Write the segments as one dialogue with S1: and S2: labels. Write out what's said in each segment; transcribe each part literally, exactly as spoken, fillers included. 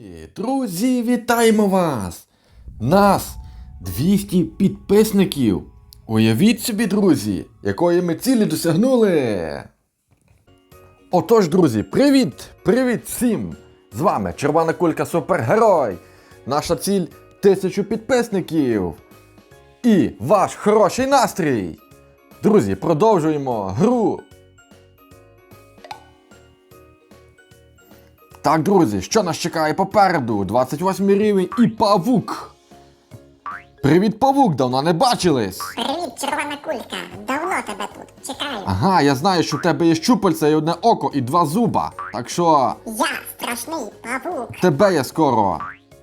S1: Друзі, вітаємо вас! Нас двісті підписників! Уявіть собі, друзі, якої ми цілі досягнули! Отож, друзі, привіт! Привіт всім! З вами Червона Кулька Супергерой! Наша ціль – тисячу підписників! І ваш хороший настрій! Друзі, продовжуємо гру! Так, друзі, що нас чекає попереду? двадцять восьмий рівень і павук! Привіт, павук! Давно не бачились!
S2: Привіт, Червона Кулька! Давно тебе тут чекаю.
S1: Ага, я знаю, що в тебе є щупальця і одне око, і два зуба. Так що...
S2: Я страшний павук.
S1: тебе я скоро...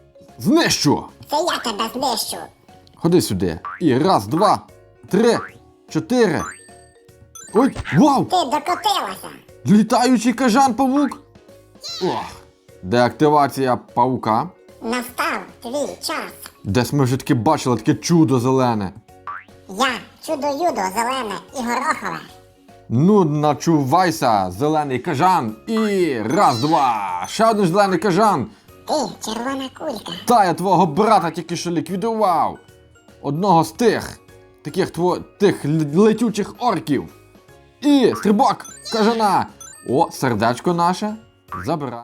S1: знищу!
S2: Це я тебе знищу.
S1: Ходи сюди. І раз, два, три, чотири. Ой, вау!
S2: Ти докотилася.
S1: Літаючий кажан-павук! Ох. Деактивація павука.
S2: Настав твій час.
S1: Десь ми вже таки бачили таке чудо зелене.
S2: Я чудо-юдо зелене і горохове.
S1: Ну, начувайся, зелений кажан. І раз, два. Ще один зелений кажан.
S2: Ти, Червона Кулька.
S1: Та я твого брата тільки що ліквідував. Одного з тих, таких тво, тих л- летючих орків. І стрибок кажана. О, сердечко наше. Забра.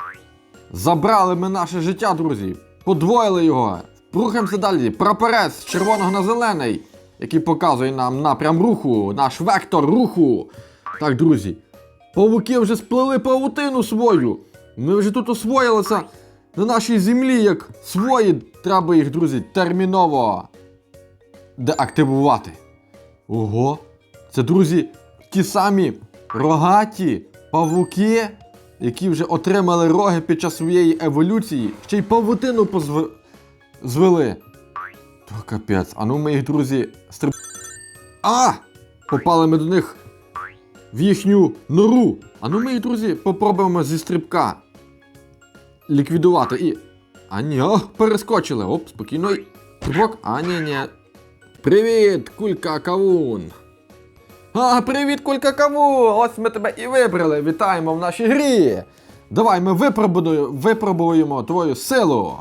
S1: Забрали ми наше життя, друзі. Подвоїли його. Рухаємося далі. Прапорець з червоного на зелений, який показує нам напрям руху, наш вектор руху. Так, друзі. Павуки вже сплели павутину свою. Ми вже тут освоїлися на нашій землі, як свої. Треба їх, друзі, терміново деактивувати. Ого. Це, друзі, ті самі рогаті павуки, які вже отримали роги під час своєї еволюції, ще й павутину позв... звели. То капець. А ну ми їх, друзі, стриб... А! Попали ми до них в їхню нору. А ну ми їх, друзі, попробуємо зі стрибка ліквідувати. І... А ні, о, перескочили. Оп, спокійно. Стрибок. А ні, ні. Привіт, Кулька Кавун. А, привіт, Кулька Кавун! Ось ми тебе і вибрали. Вітаємо в нашій грі. Давай, ми випробуємо, випробуємо твою силу.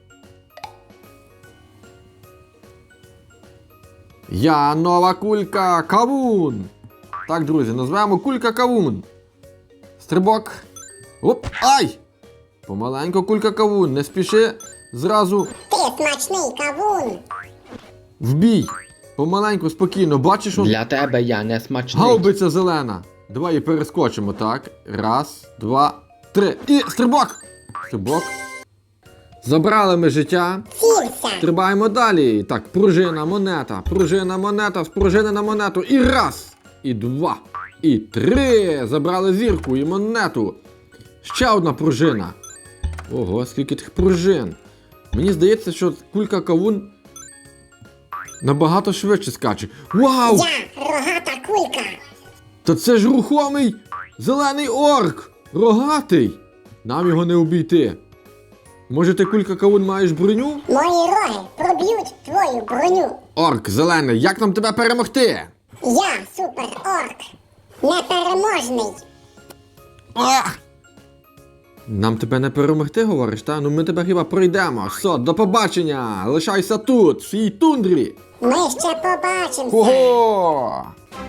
S1: Я нова Кулька Кавун. Так, друзі, назвемо Кулька Кавун. Стрибок. Оп, ай! Помаленько, Кулька Кавун, не спіши зразу
S2: Ти смачний кавун.
S1: в бій. Помаленьку, спокійно, бачиш, он...
S3: Для тебе я не смачний.
S1: гаубиця зелена. Давай її перескочимо, так. Раз, два, три. І стрибок! Стрибок. Забрали ми життя.
S2: Цілься.
S1: Стрибаємо далі. Так, пружина, монета, пружина, монета, з пружини на монету. І раз, і два, і три. Забрали зірку і монету. Ще одна пружина. Ого, скільки тих пружин. Мені здається, що Кулька Кавун набагато швидше скаче. Вау!
S2: Я рогата кулька.
S1: Та це ж рухомий зелений орк! Рогатий! Нам його не обійти. Може, ти, Кулька Кавун, маєш броню?
S2: Мої роги проб'ють твою броню.
S1: Орк зелений, як нам тебе перемогти?
S2: Я супер-орк. Непереможний.
S1: А! Нам тебе не перемогти, говориш, та? Ну ми тебе хіба пройдемо. Все, до побачення! Лишайся тут, в цій тундрі!
S2: Ми ще побачимося.
S1: Ого!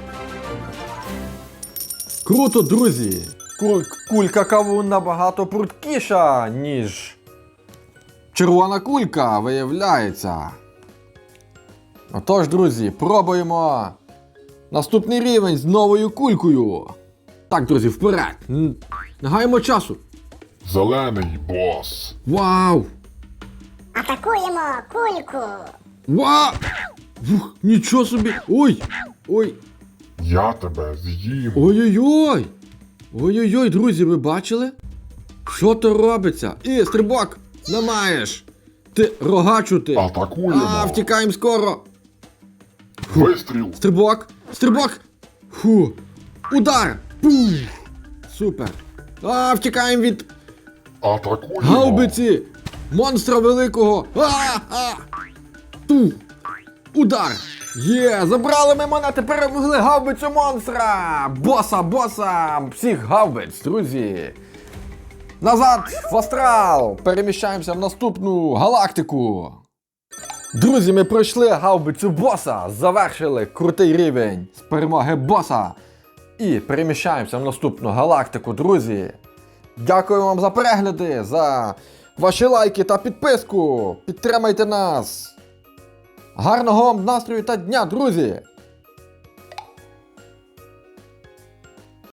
S1: Круто, друзі! Куль- Кулька Кавун набагато пруткіша, ніж червона кулька, виявляється. Отож, друзі, пробуємо наступний рівень з новою кулькою. Так, друзі, вперед! Н- Не гаємо часу.
S4: Зелений бос.
S1: Вау!
S2: Атакуємо кульку.
S1: Вау! Ух, нічого собі! Ой! Ой!
S4: Я тебе з'їм.
S1: Ой-ой-ой! Ой-ой-ой, друзі, ви бачили? Що то робиться? І, стрибок! Не маєш! Ти рогачу ти!
S4: Атакуємо.
S1: А, втікаємо скоро!
S4: Вистріл.
S1: Стрибок! Стрибок! Фу! Удар! Пум! Супер! А, втікаємо від
S4: Атакуємо.
S1: гаубиці! Монстра великого! А, а! Ту! Удар! Є! Забрали ми монети, перемогли гаубицю монстра! Боса, боса! Всіх гаубиць, друзі! Назад в астрал! Переміщаємося в наступну галактику. Друзі, ми пройшли гаубицю боса, завершили крутий рівень з перемоги боса. І переміщаємося в наступну галактику, друзі. Дякую вам за перегляди, за ваші лайки та підписку. Підтримайте нас. Гарного вам настрою та дня, друзі!